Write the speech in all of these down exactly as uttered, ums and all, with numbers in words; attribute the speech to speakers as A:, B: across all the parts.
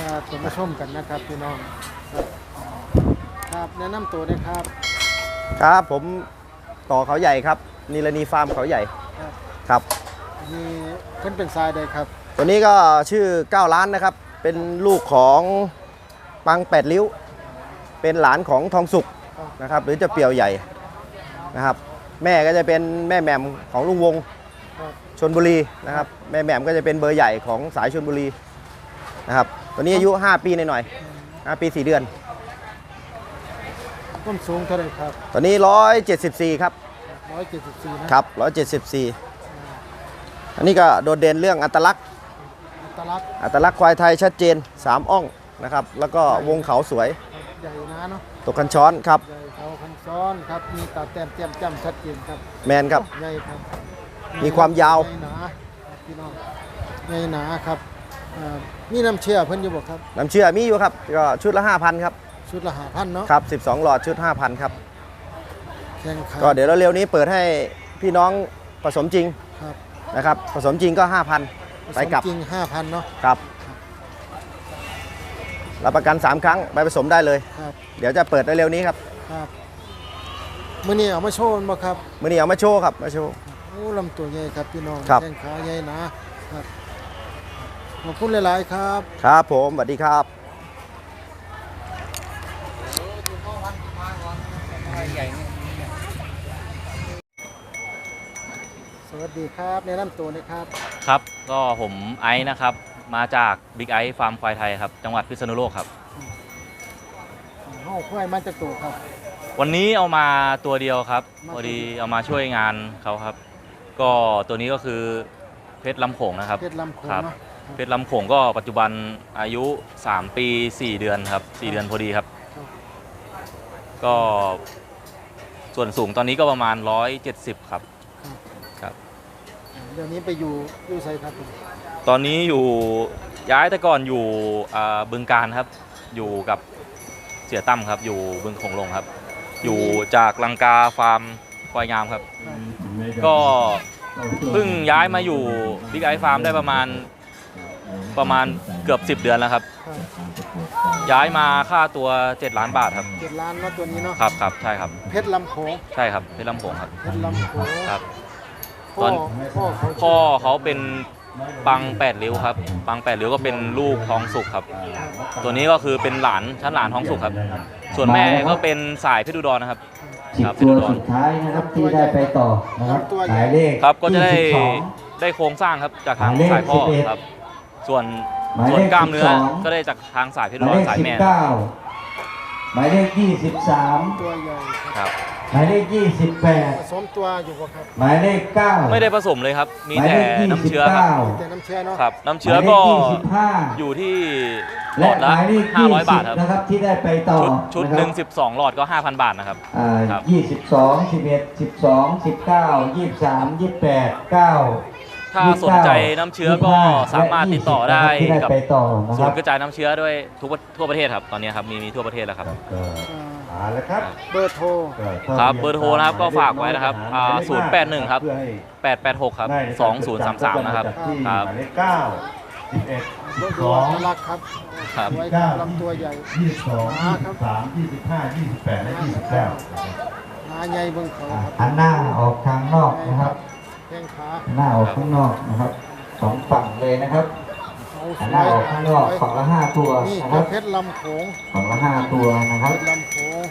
A: ครับผมมาชมกันนะครับพี่น้องครับครับแนะนำตัวนะครับ
B: ครับผมต่อเขาใหญ่ครับนิรณีฟาร์มเขาใหญ่
A: ครับ
B: ครับ
A: มีเพิ่นเป็นทรายใดครับ
B: ตัวนี้ก็ชื่อเก้าล้านนะครับเป็นลูกของปังแปดริ้ว เป็นหลานของทองสุกนะครับหรือจะเปี่ยวใหญ่นะครับแม่ก็จะเป็นแม่แหม่มของลุงวง
A: ครับ
B: ชลบุรีนะครับแม่แหม่มก็จะเป็นเบอร์ใหญ่ของสายชลบุรีนะครับตัวนี้อายุห้าปีหน่อยๆห้าปีสี่เดือน
A: ต้นสูงเท่าไหร่ครับ
B: ตัวนี้หนึ่งร้อยเจ็ดสิบสี่ครับ
A: ร้อยเจ็ดสิบสี่นะครับ
B: หนึ่งร้อยเจ็ดสิบสี่อันนี้ก็โดดเด่นเรื่องอัตลักษณ์
A: อัตลักษณ์
B: อัตลักษณ์ควายไทยชัดเจนสามอ่องนะครับแล้วก็วงเขาสวย
A: ใหญ่นะเนาะ
B: ตกคันช้อนครับ
A: ใหญ่เขาคันซ้อนครับมีตาแต้มแจ่มจ้ำชัดเจนครับ
B: แมนครับ
A: ใหญ่ครับ
B: มีความยาว
A: ใหญ่หนาครับพี่น้องใหญ่หนาครับอ่ามีน้ำเชื่อเพิ่นอยู่บ่ครับ
B: น้ำเชื่อมีอยู่ครับก็ชุดละ ห้าพัน ครับ
A: ชุดละห้าพันเนาะ
B: ครับสิบสองหลอดชุด ห้าพัน ครับ
A: แข่งขัน
B: ก็เดี๋ยวเร็วๆนี้เปิดให้พี่น้องผสมจริง
A: ครับ
B: นะครับผสมจริงก็ ห้าพัน ไปกลับ
A: จริงห้าพันเนาะ
B: ครับรับประกันสามครั้งไปผสมได้เลย
A: ครับ
B: เดี๋ยวจะเปิดเร็วๆนี้ครับ
A: ครับมื้อนี้เอามาโชว์บ่ครับ
B: มื้อนี้เอามาโชว์ครับมาโชว์
A: โอ้ลำตัวใหญ่ครับพี่น้อง
B: ครับ
A: แข้งขาใหญ่หนะครับขอบคุณหลาย ๆ ครับ
B: ครับผมสวัสดีครับ
A: สวัสดีครับแนะนำตัวนะครับ
C: ครับก็ผมไอซ์นะครับมาจากบิ๊กไอซ์ฟาร์มควายไทยครับจังหวัดพิษณุโลกครับ
A: เฮาควายมาจากตัวครับ
C: วันนี้เอามาตัวเดียวครับ
A: มา
C: พอดีเอามาช่วยงานเขาครับ ก็ตัวนี้ก็คือเพชรลำโขงนะครับ
A: เพชรลำโขง
C: ครับ
A: เนาะ
C: เพชรลำโขงก็ปัจจุบันอายุสามปีสี่เดือนครับสี่เดือนพอดีครับ
A: ครับ
C: ก็ส่วนสูงตอนนี้ก็ประมาณหนึ่งร้อยเจ็ดสิบครับ
A: ครับ
C: ครับ
A: เดี๋ยวนี้ไปอยู่อยู่ไสครับผม
C: ตอนนี้อยู่ย้ายแต่ก่อนอยู่อ่าบึงการครับ อยู่กับเสียตั้มครับ อยู่บึงโขงลงครับ อยู่จากลังกาฟาร์มควายงามครับ ก็เพิ่งย้ายมาอยู่บิ๊กไอฟาร์มได้ประมาณประมาณเกือบสิบเดือนแล้วครับ
A: ครับ
C: ย้ายมาค่าตัวเจ็ดล้านบาทครับ
A: เจ็ดล้านเนาะตัวนี้เนาะ
C: ครับครับใช่ครับ
A: เพชรลำโขง
C: ใช่ครับเพชรลำโขงครับ
A: เพชรลำโขง
C: ครับ
A: พ่อพ่อเขา
C: พ่อเขาเป็นปังแปดริ้วครับ ปังแปดริ้วก็เป็นลูกทองสุกครับ ตัวนี้ก็คือเป็นหลานชั้นหลานทองสุกครับ ส่วนแม่ก็เป็นสายเพชรอุดรนะครับ
D: สิบ
C: ครับ
D: ตัวสุดท้ายนะครับที่ได้ไปต่อนะครับหมายเลข
C: ครับก็จะได้
D: ยี่สิบสอง
C: ได้โครงสร้างครับจากทาง
D: หมายเลข
C: สายพ่อ
D: สิบเอ็ด
C: ครับ ส่วน
D: หมายเลข
C: ส่วนกล้ามเนื้อ
D: สิบสอง
C: ก็ได้จากทางสายเพชร
D: ห
C: อุ
D: มาย
C: ด
D: เล
C: ร
D: ข
C: สาย
D: สิบ
C: แม่
D: เก้าหมายเลขยี่สิบสาม
A: ตัวใหญ่ครับ
C: ครับ
D: หมายเลขยี่สิบแปด
A: ผสมตัวอยู่บ่ครับ
D: หมายเลขเก้า
C: ไม่ได้ผสมเลยครับ มี
D: หมาย
C: แต่
D: เลขยี่
C: น้ำ
D: สิบ
C: เชื้อครับ
D: เก้า
A: แต่น้ำเชื่อเนาะ
C: ครับ น้ำ
D: ห
C: เชื้อ
D: มายเล
C: ก็
D: ขยี่สิบห้า
C: อยู่ที่หล
D: และ
C: อด
D: ห
C: ละ
D: มายเลข
C: ห้า
D: ยี่
C: ร้อย
D: สิ
C: บาท
D: บ
C: ครับ
D: นะครับที่ได้ไปต่อ
C: ชุดชุด
D: ะค
C: ห
D: รับ
C: นึ่งสิบสองหลอดก็ ห้าพัน บาทนะครับ
D: อ่า
C: ครับ
D: ยี่สิบสองสิบเอ็ดสิบสองสิบเก้ายี่สิบสามยี่สิบแปดเก้า
C: ถ้าสนใจน้ำเชื้อก็สามารถติดต่อได้กับ
D: ไปต่อนะ
C: ศู
D: ครั
C: น
D: บ
C: ย์กระจายน้ำเชื้อด้วยทุกทั่วประเทศครับ ตอนนี้ครับ มีมีทั่วประเทศแล้วครับ
A: อ่า
D: เอาละครับ
A: เบอร์โทร
C: ครับเบอร์โทรนะครับก็ฝากไว้นะครับอ่าศูนย์แปดหนึ่งครับ แปดแปดหกครับสองศูนย์สามสามนะครับ ครับ
D: หมายเลขเก้าสิบเอ็ด
A: ร
D: สิบ
A: ถ
D: ส
A: ดู
D: อง
A: อัตลักษณ์ครับ
C: ครับ
A: ไว้ครับลำตัวใหญ่
D: ยี่สิบสองยี่สิบสามยี่สิบห้ายี่สิบแปดและยี่สิบเก้า
A: หาใหญ่เบิ่งเขาครับ
D: หันหน้าออกทางนอกนะครับ
A: แข้งขา
D: หันหน้าออกข้างนอกนะครับสองฝั่งเลยนะครับ
A: เขาส
D: หัน
A: ว
D: หน้าย ออกข้างนอกฝั่งละห้าตัว
A: นี่
D: นะค
A: ก็
D: รับ
A: เพชรลำโขง
D: ฝั่งละห้าตัวนะครับ
A: เพชรลำโขง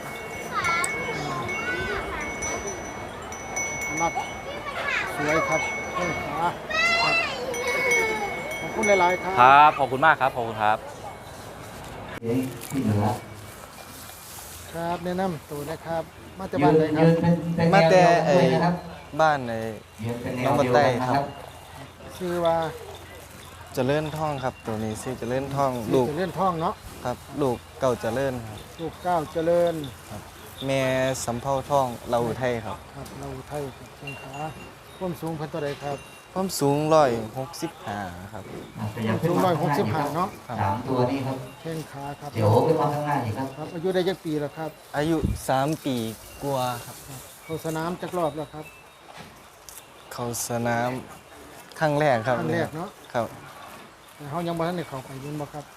A: นักสวยครับแข้งขาครับขอบคุณหลาย ๆ ครับ
C: ครับ ขอบคุณมากครับ ขอบคุณครับ
D: ที่เหลือ
A: ครับแนะนำตัวนะครับ มาจากบ้านไหนครับ
D: ยืนเป็นเป็น
B: มาแต่
D: แนวเดียวกันด้วยนะครับ
B: บ้านใน
D: ยืนเป็นแน
B: น้อ
D: ว
B: งบัน
D: เดียว
B: ได
D: กันนะ
B: ค
D: ค
B: รั
D: รับ บ
A: ชื่อว่า
B: เจริญท่องครับตัวนี้ชื่อเจริญท่องลู
A: ลู
B: ก
A: กเลื่อนท่องเนาะ
B: ครับลูกเก่าเจริญครับ
A: ลูกเก้าวเจริญ
B: แม่สำเภาท่องเราอุทัยครับ
A: ครับเราไทยแข้งขาความสูงเพันตัวใดครับ
B: ความสูงร้อยหกสิบห้าครับ
A: สูงร้อยหกสิบห้าเนาะ
D: สามตัวนี้ครับ
A: แข้งขาครับ
D: เดี๋ยวขึ้นมาข้างหน้าอีกครับ
A: ครับอายุได้จักปีแล้วครับ
B: อายุสามปีกว่าครับ
A: เข้าสนามจักรอบแล้วครับ
B: เข้าสนามครั้งแรกครับ
A: ครั้งแรกเนาะ
B: ครับ
A: แต่เขายังบ่ทันได้เข้าไปยินบ่ครับ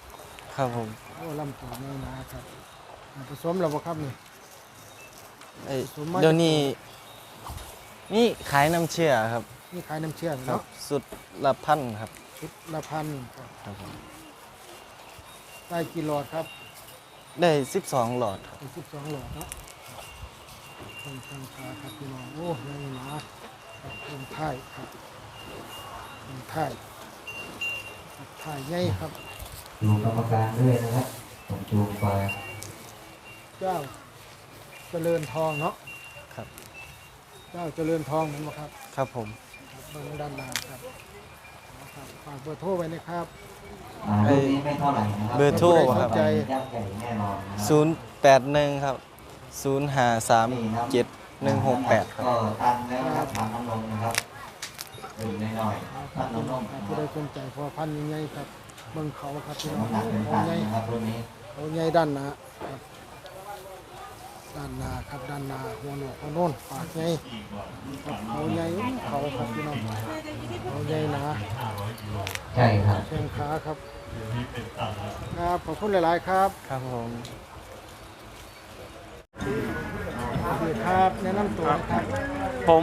E: ครับผม
A: โอ้ลำตัวใหญ่หนาครับอ่าผสมแล้วบ่ครับนี่
E: ไอ้
A: สมมาตร
E: เดี๋ยวนี้นี่ขายน้ำเชื่อครับ
A: นี่ขายน้ำเชื่อม
E: ครับ
A: เนาะ
E: สุดละพันครับ
A: ชุดละพันครับ
E: ครับผม
A: ได้กี่หลอดครับ
E: ได้สิบสองหลอดครับ
A: เป็นสิบสองหลอดเนาะเพิ่มราคาครับพี่น้องโอ้ใหญ่หนาครับเพิ่มท้ายครับเพิ่มท้ายครับท้ายใหญ่ครับ
D: ดูกรรมการด้วยนะครับผมจูงไป
A: เจ้าเจริญทองเนาะ
E: ครับ
A: เจ้าเจริญทองเห็นไหมครับ
E: ครับผม
A: ครับเบื้องด้านล่างครับเอาครับฝากเบอร์โทรไว้นะครับ
D: อ่ารุ่นนี้ไม่เท่าไหร่นะครับ
E: เบอร์โทรครับ
A: ใจ
D: ยักษ์ใหญ่แน่นอนนะครับ
E: ศูนย์แปดหนึ่งครับศูนย์ห้าสามเจ็ดหนึ่งหกแปดครับ
D: ก็ตันแล้วนะครับทางน้ำนมนะครับดื่มน้อยๆตันน้ำนม
A: ค
D: นะ
A: รับ
D: ค
A: ผู้
D: รับ
A: ใดสนใจพอพันธุ์ใหญ่ๆครับเบิ่งเขาครับพี่น้อง
D: น้ำหนักเป็น
A: เขา
D: ตัน
A: ใหญ่
D: นะครับรุ่นนี้
A: เขาใหญ่ด้านหน้าครับด้านหน้าครับด้านหน้าหัวโหนกหัวโน่นปากใหญ่ครับเขาใหญ่เขาครับพี่น้องเขาใหญ่หนา
D: ใช่ครับ
A: แข้งขาครับครับขอบคุณหลาย ๆ ครับ
E: ครับผม
A: สวัสดีครับแนะนำตัวนะครับ
F: ผม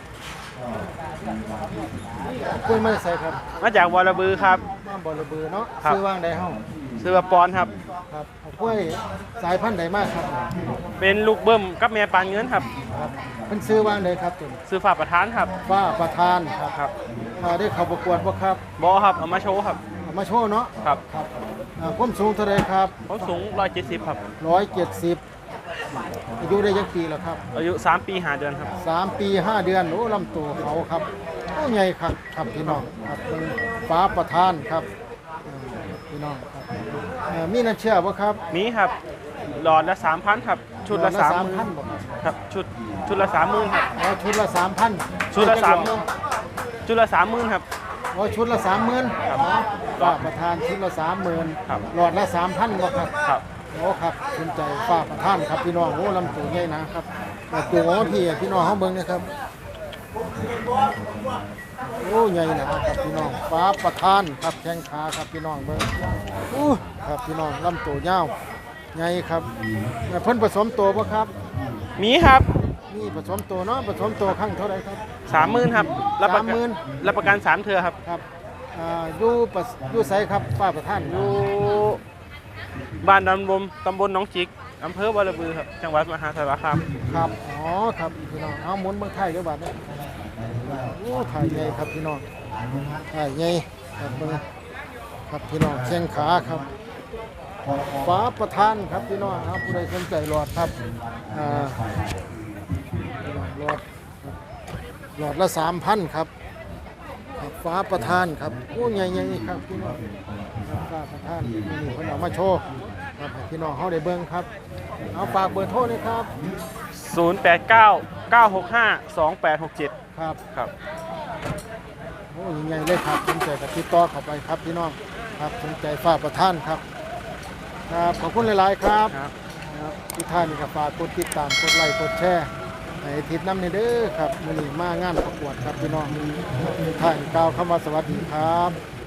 A: คุยมาใส่ครับ
F: มาจากวอระบือครับ
A: บ้านบ่อระเบือเนาะ
F: ครับ
A: ซื้อว่างใดเฮ้า
F: ซื้อมาปอนครับ
A: ครับเอากล้วยสายพันธุ์ใดมากครับ
F: เป็นลูกเบิ้มกับแม่ปานเงินครับ
A: ครับเป็นซื้อว่างใดครับตุ่น
F: ซื้อฝากประธานครับ
A: ว่าประธานครับ
F: ครับ
A: อ่าได้เข้าประกวดบ่ครับ
F: บอครับเอามาโชว์ครับ
A: เอามาโชว์เนาะ
F: ครับ
A: ครับอ่าความสูงเท่าไรครับ
F: เขาสูงร้อยเจ็ดสิบครับ
A: ร้อยเจ็ดสิบอายุได้ยังปีแล้วครับ
F: อายุสามปีห้าเดือนครับ
A: สามปีห้าเดือนโอ้ลำตัวเขาครับโอ้ใหญ่ครับครับพี่น้องครับเป็นฟ้าประธานครับอ่าพี่น้องครับอ่ามีน้ำเชื่อบ่ครับ
F: มีครับ หลอดละสามพันครับ ชุดละสามหมื่
A: พัน
F: น
A: บ่ครับ
F: ครับ ชุด ชุดละสามหมื่นครับ
A: อ๋อชุดละสามพัน
F: ชุดละสามชุดละสามหมื่นครับ
A: อ๋อชุดละสามหมื่น
F: ครับ
A: ฟ้าประธานชุดละสามหมื่น
F: ครับ
A: หลอดละสามพันบ่ครับ
F: ครับ
A: โอ้ครับสนใจฟ้าประธานครับพี่น้องโอ้ลำตัวใหญ่นะครับแต่ตัวของพี่พี่น้องเขาเบิ่งนะครับโอ้ใหญ่นะครับพี่น้องฟ้าประธานครับแข้งขาครับพี่น้องเบิ่งโอ้ครับพี่น้องลำตัวยาวใหญ่ครับเพิ่นผสมตัวบ่ครับ
F: มีครับ
A: นี่ผสมตัวเนาะผสมตัวครั้งเท่าไหร่ครับ
F: สามหมื่นครับรับประ
A: สามห
F: กั
A: มื่
F: น
A: น
F: รับประกันสามเทือครับ
A: ครับอ่าอยู่ปะอยู่ไสครับฟ้าประธาน
F: อยู่บ้านดำบมตำบลหนองจิกอำเภอวอระบือครับ จังหวัดมหาสารคาม
A: ครับอ๋อครับพี่น้องเอาหมุนเบิ่งไทยเด้อบัดนี้โอ้ถ่ายใหญ่ครับพี่น้องถ่ายใหญ่ครับเบิ่งครับพี่น้องแข้งขาครับฟ้าประธานครับพี่น้องครับผู้ใดสนใจหลอดครับอ่าหลอดหลอดละสามพันครับครับฟ้าประธานครับโอ้ใหญ่ๆครับพี่น้องครับฟ้าประธานนี่เพิ่นเอามาโชว์ครับให้พี่น้องเฮาได้เบิ่งครับเอาฝากเบอร์โทรเลยครับ
F: ศูนย์ แปด เก้า เก้า หก ห้า สอง แปด หก เจ็ด
A: ครับ
F: ครับ
A: โอ้ยังไงเลยครับสนใจกับติดต่อเข้าไปครับพี่น้องครับสนใจฝากประท่านครับครับขอบคุณหลาย ๆ ครับ
F: ครับ
A: ครับทุกท่านนี่ก็ฝากกดติดตามกดไลค์กดแชร์ให้ทิศน้ำในเด้อครับมื้อนี้มางานประกวดครับพี่น้องทุกท่านกล่าวคำว่าสวัสดีครับ